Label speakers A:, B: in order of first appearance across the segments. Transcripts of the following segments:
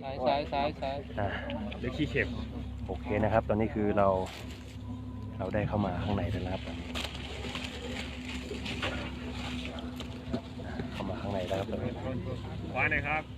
A: ซ้าย
B: เลือกขี้เข็บโอเคนะครับ ตอนนี้คือเราได้เข้ามาข้างในแล้วนะครับตอนนี้เข้ามาข้างในแล้วครับตอนนี้ขวาหน่อยครับ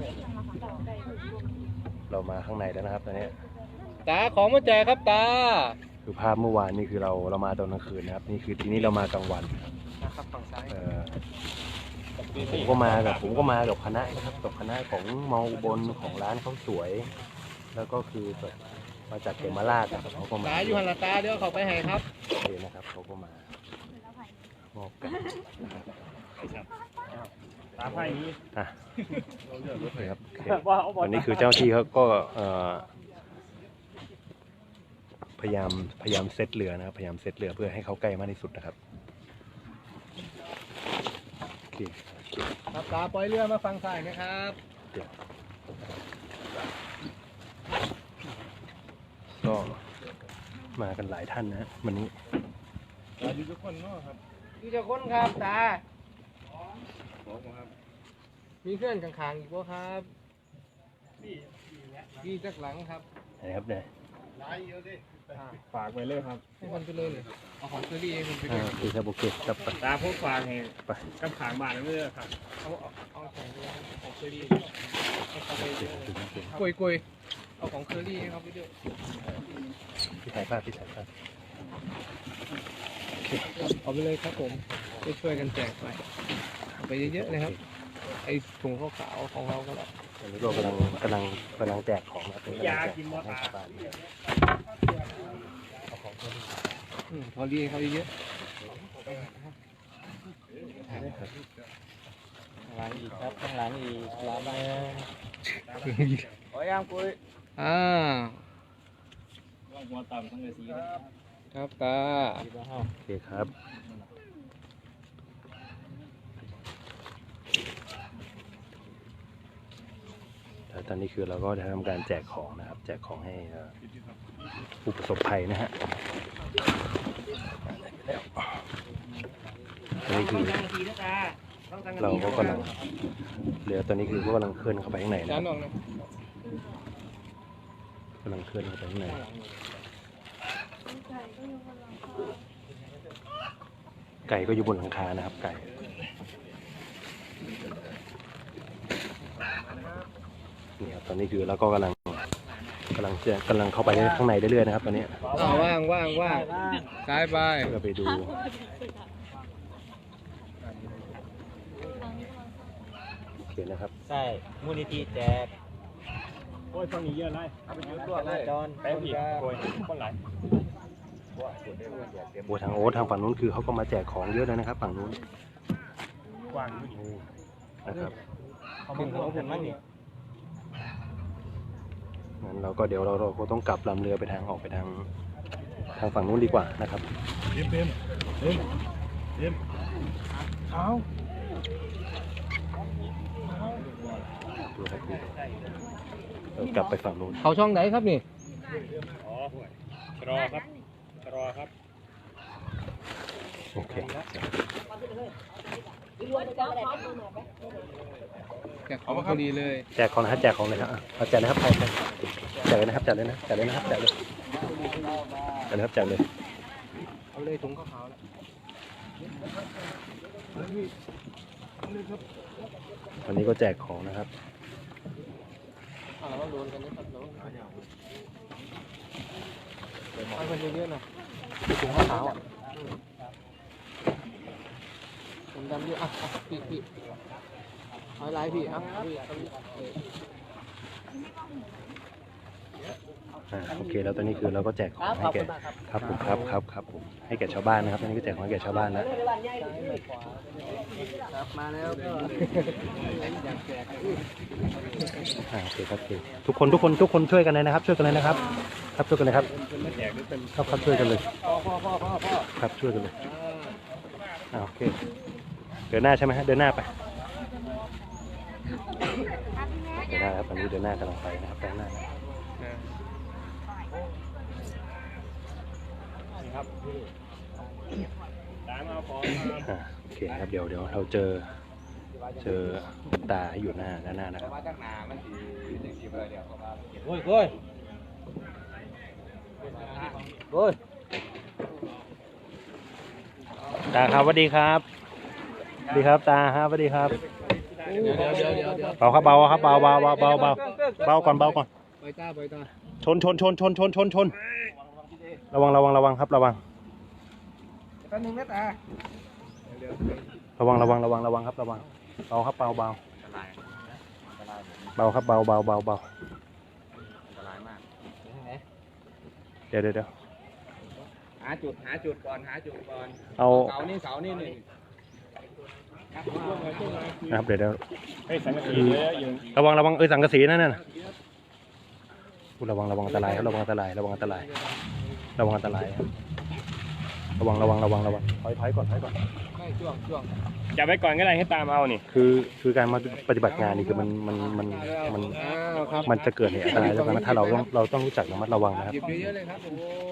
B: เรามาข้างในแล้วนะครับตอนนี้
A: ตาของมาแจกครับตา
B: คือภาพเมื่อวานนี่คือเรามาตอนกลางคืนนะครับนี่คือทีนี้เรามากลางวัน
A: นะครับฝั่งซ้าย
B: ผมก็มากับคณะนะครับกับคณะของมออุบลของร้านเขาสวยแล้วก็คือแบบมาจากเขมราชเขาก็มา
A: ตาอยู่หันละตาเดี๋ยวเขาไปให้ครับ
B: โอเคนะครับเขาก็มามอบกัน
C: ตาไพ่นี้
B: ครับวันนี้คือเจ้าที่เขาก็พยายามเซตเรือนะครับพยายามเซตเรือเพื่อให้เขาใกล้มากที่สุดนะครับโอเค
A: ครับตาปล่อยเรือมาฝั่งซ้ายนะครับ
B: ก็มากันหลายท่านนะวันนี้
C: ดูทุกคนเนาะครับ
A: ดูจะค้นครับตามีเพื่อนข้างๆอีกบ่ครับมีจักหลังครับ
B: นะครับเนี่ย
C: ฝากไปเลยครับ
A: ให้คนไปเลยเลยเอาของเคอรี่ให้คนไปเลย
B: โอเคครับโอเคครับ
C: ตาพกฝากให้กำขางบ้านนั่นเลยครับ
A: เอาของเคอรี่ให้เขาไปกุยเอาของเคอรี่ให้เขาไปด้วย
B: พี่ถ่ายภาพ
A: เอาไปเลยครับผมช่วยกันแจกไปเยอะๆนะครับไอ้ถุงขาวของเราก็แล้ว
B: อันนี้ก็กำลังแจกของนะครับ
C: ยากินมอตา
A: พอดีเขาเยอะ
C: หลังอีกครับข้างหลังอีกลาบ้าโอ้ยยังปุ้ยหัวต่ำทั้งเลยสี
A: ครับตา
B: โอเคครับตอนนี้คือเราก็จะทำการแจกของนะครับแจกของให้ผู้ประสบภัยนะฮะนี่คือเราก็กำลังเรือตอนนี้คือก็กำลังเคลื่อนเข้าไปข้างในนะกำลังเคลื่อนเข้าไปข้างในไก่ก็อยู่บนหลังคานะครับไก่นี่ครับตอนนี้คือเราก็กำลังเข้าไปข้างในเรื่อยๆนะครับตอนนี้
A: ว่างซ้ายไป
B: เพื่อไปดูโอเคนะครับ
C: ใช่มูลนิธิแจกโอ้ยฟังนี้เยอะเลยเอาไปยืดตัวเลยจอนแป๊บอีกโอ้ยคนไหล
B: ทางโอ๊ตทางฝั่งนู้นคือเขาก็มาแจกของเยอะเลยนะครับฝั่งนู้น
C: กว้าง
B: นะครับ
C: เขาเป็นมั่งนี่
B: งั้นเราก็เดี๋ยวเราก็ต้องกลับลำเรือไปออกไปทางฝั่งนู้นดีกว่านะครับ
C: เต็มเขา
B: ดูครับกลับไปฝั่งนู้น
A: เขาช่องไหนครับนี่
C: อ๋อรอครับ
B: โอเค
A: แจกของพอดีเลย
B: แจกของนะครับแจกของเลยครับเอาแจกเลยครับแจกเลยนะครับแจกเลยนะครับแจกเลย
A: เอาเลยถุงขาวแล้ว
B: วันนี้ก็แจกของนะครับ
A: เราโดนกันนะครับเอาคนเยอะๆหน่อยถุงขาวผมดำเยอะพี่เอาไลฟ์พี่
B: โอเคแล้วตอนนี้คือเราก็แจกของให้แก่ครับผมครับผมให้แก่ชาวบ้านนะครับตอนนี้ก็แจกของให้แก่ชาวบ้านแล้ว
A: มาแล้วก็อยากแจก
B: โอเคครับทุกคนช่วยกันเลยนะครับช่วยกันเลยนะครับช่วยกันเลยครับครับช่วยกันเลยครับช่วยกันเลยโอเคเดินหน้าใช่ไหมฮะเดินหน้าไปเดินหน้าครับตอนนี้เดินหน้ากำลังไปนะครับเดินหน้า
C: ครับตามเอาของ
B: โอเคครับเดี๋ยวเราเจอตาอยู่ด้านหน้านะครับ
C: โอ้ยโอ้ยโอ้ย
B: ตาครับสวัสดีครับสวัสดีครับตาครับสวัสดีครับ
A: เดี๋ยว
B: เบาครับเบาครับเบาเบาเบาเบาเบาเบาก่อนเบาก่อน
A: ไปตา
B: ชนระวังครับระวัง
A: แป๊บนึงนะตาเดี๋ยว
B: ระวังครับระวังเบาครับเบาเบาเบาครับเบาเดี๋ยว
C: หาจุดก่อน
B: เอา
C: เสานี่นี่
B: นะครับเดี๋ยวระวังสังกะสีนั่นน่ะระวังอันตรายครับระวังอันตรายครับระวังถอยก่อน
A: ไม่ช่วง
C: จับไว้ก่อนก็ได้ให้ตามเอานี่
B: คือการมาปฏิบัติงานนี่คือมันจะเกิดเหตุอันตรายแล้วกันนะถ้าเราต้องรู้จักระมัดระวังนะครับ
A: หยิบเยอะๆเลยครับผม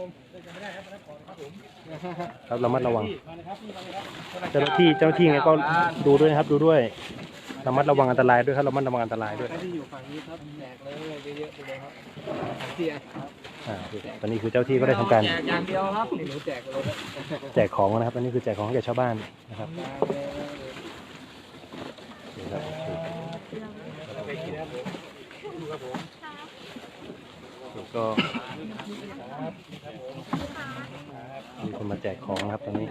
B: ครับระมัดระวังเจ้าหน้าที่ไงก็ดูด้วยนะครับดูด้วยระมัดระวังอันตรายด้วยครับระมัดระวังอันตรายด้วย
A: ที่อยู่ฝั่งนี้ครับแจกเลยเยอะๆไปเลยครับที่
B: ตอนนี้คือเจ้าที่ก็ได้ทำการ
C: แจกอย่างเดียวครับ
A: หนูแจกเลย
B: แจกของนะครับตอนนี้คือแจกของให้แก่ชาวบ้านนะครับก็มีคนมาแจกของนะครับตอนนี้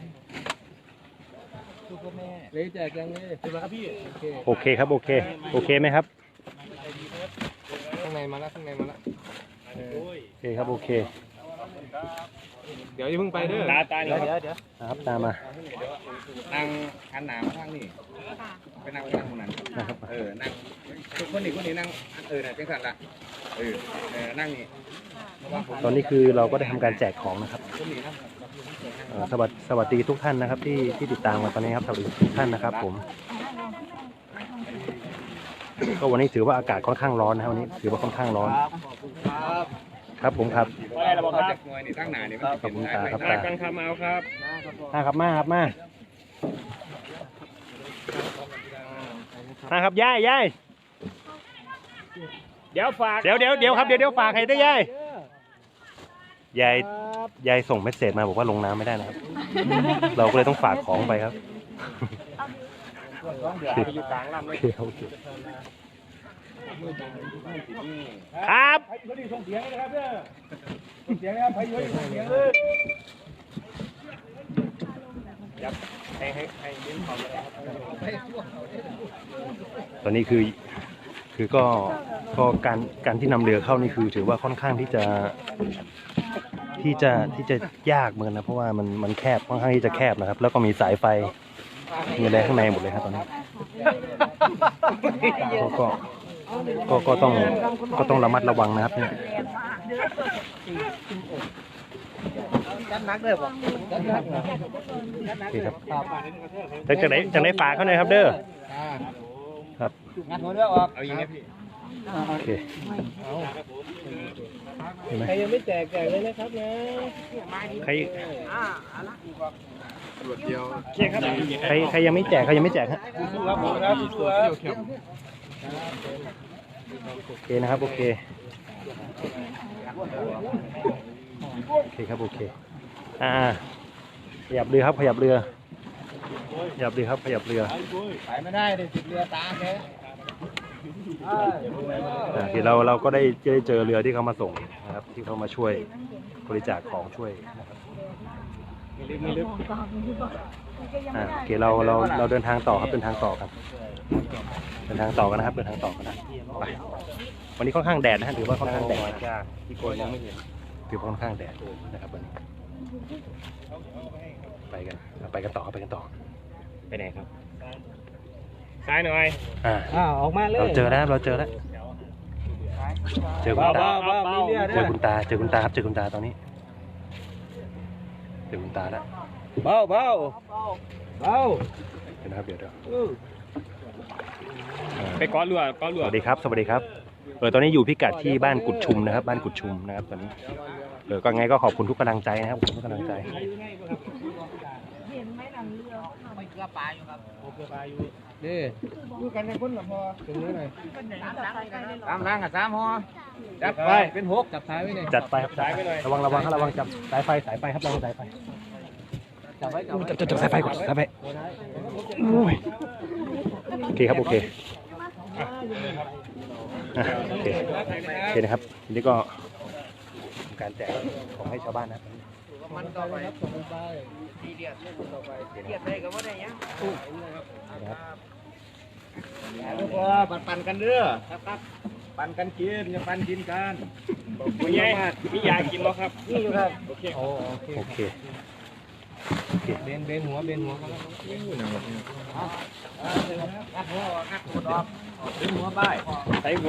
A: เลยแจกยังเลยครับพี่
B: โอเคครับโอเคไหมครับ
A: ข้างในมาแล้วโ
B: อเคครับโอเค
A: เดี๋ยวอย่าเพิ่งไปเด้อ
C: ตาเดี๋ยว
B: ครับตามมา
C: นั่งหันหน้ามาทางนี้ไปนั่งคนนั้น
B: นะครับ
C: นั่งคนนี้นั่งเนี่ยเป็นสัตว์ละนั่งนี่
B: ตอนนี้คือเราก็ได้ทำการแจกของนะครับสวัสดีทุกท่านนะครับที่ติดตามมาตอนนี้ครับสวัสดีทุกท่านนะครับผมก็วันนี้ถือว่าอากาศค่อนข้างร้อนนะครับวันนี้ถือว่าค่อนข้างร้อนครับผมครับ
C: อะไรระบบครับมวยนี่ตั้งหนานี่
B: ขอบคุณตาครับตา
C: กันครับเอาครับ
B: ครับมาครับยาย
C: เดี๋ยวฝาก
B: เดี๋ยวครับเดี๋ยวฝากให้ด้วยยายส่งเมสเสจมาบอกว่าลงน้ำไม่ได้นะครับ เราก็เลยต้องฝากของไปครับ
C: อยู่กลางลำเลย
B: ครับ
C: ให้ยิ้มขอบคุณครับ
B: ตอนนี้คือก็การที่นำเรือเข้านี่คือถือว่าค่อนข้างที่จะยากเหมือนกันนะเพราะว่ามันแคบค่อนข้างที่จะแคบนะครับ แล้วก็มีสายไฟมีอะไรข้างในหมดเลยครับตอนนี้ก็ต้องระมัดระวังนะครับเนี่ยโอเคครับจากไหนฝากเขาหน่อยครับเด้อครับ
C: งัดหัวเรือออกเอาอย่างนี้พี่
B: โอเค
A: ใครยังไม่แจกเลยนะครับนะ
B: ใคร
A: ตรวจเดียว
B: ใครยังไม่แจกฮะ โอเคนะครับโอเคครับโอเคขยับเรือครับขยับเรือ
C: ไปไม่ได้เลยติดเรือตาแค่
B: ที่เราก็ได้เจอเรือที่เขามาส่งนะครับที่เขามาช่วยบริจาคของช่วยนะครับโอเคเราเดินทางต่อครับเดินทางต่อกันนะครับไปวันนี้ค่อนข้างแดดนะฮะถือว่าค่อนข้างแดดที่โกยยังไม่เห็นถือค่อนข้างแดดนะครับวันนี้ไปกันต่อ
C: ไปไหนครับซ้ายหน่อย
A: ออกมาเลย
B: เราเจอแล้วเจอคุณตาเจอคุณตาครับเจอคุณตาตอนนี้เจอคุณตาแล้ว
C: เบา
B: เดี๋ยวนะครับเดี๋ยว
C: ไปก้อนรัว
B: สวัสดีครับตอนนี้อยู่พิกัดที่บ้านกุดชุมนะครับบ้านกุดชุมนะครับตอนนี้ก็ไงก็ขอบคุณทุกกำลังใจนะครับทุกกำลังใจ
C: กับปลาอยู่ครับโอเกลือปลาอยู่
A: นี่ดูกันในคนละพอตรงนี้หน่อย
C: ตามร่างกับ3ห่อจับไปเป็น6
A: จับท้ายไว้หน่อย
B: จัดไปครับจัดไประวังครับระวังจับสายไฟครับระวังสายไฟ
A: จับไว้จับไว้
B: จับสายไฟก่อนสายไฟโอ้ยโอเคครับโอเคโอเคนะครับนี่ก็การแจกของให้ชาวบ้านนะ
C: มันต่อไป
A: ส่งไป
C: ทีเดียดต่อไปเดียดได้ก็ว่าได้ยัง
B: นะครับ
C: ทุกคนปั่นกันเด้อครับปั่นกันกินอย่าปั่นกินกันมียากินแล้วครับนี่อยู่ครับโอเค
A: โอ้โอเค
B: โอเค
A: เบนหัวก็แล้ว
C: งัดหัวงัดตัวดอกเป็นหัวใบใส่หัว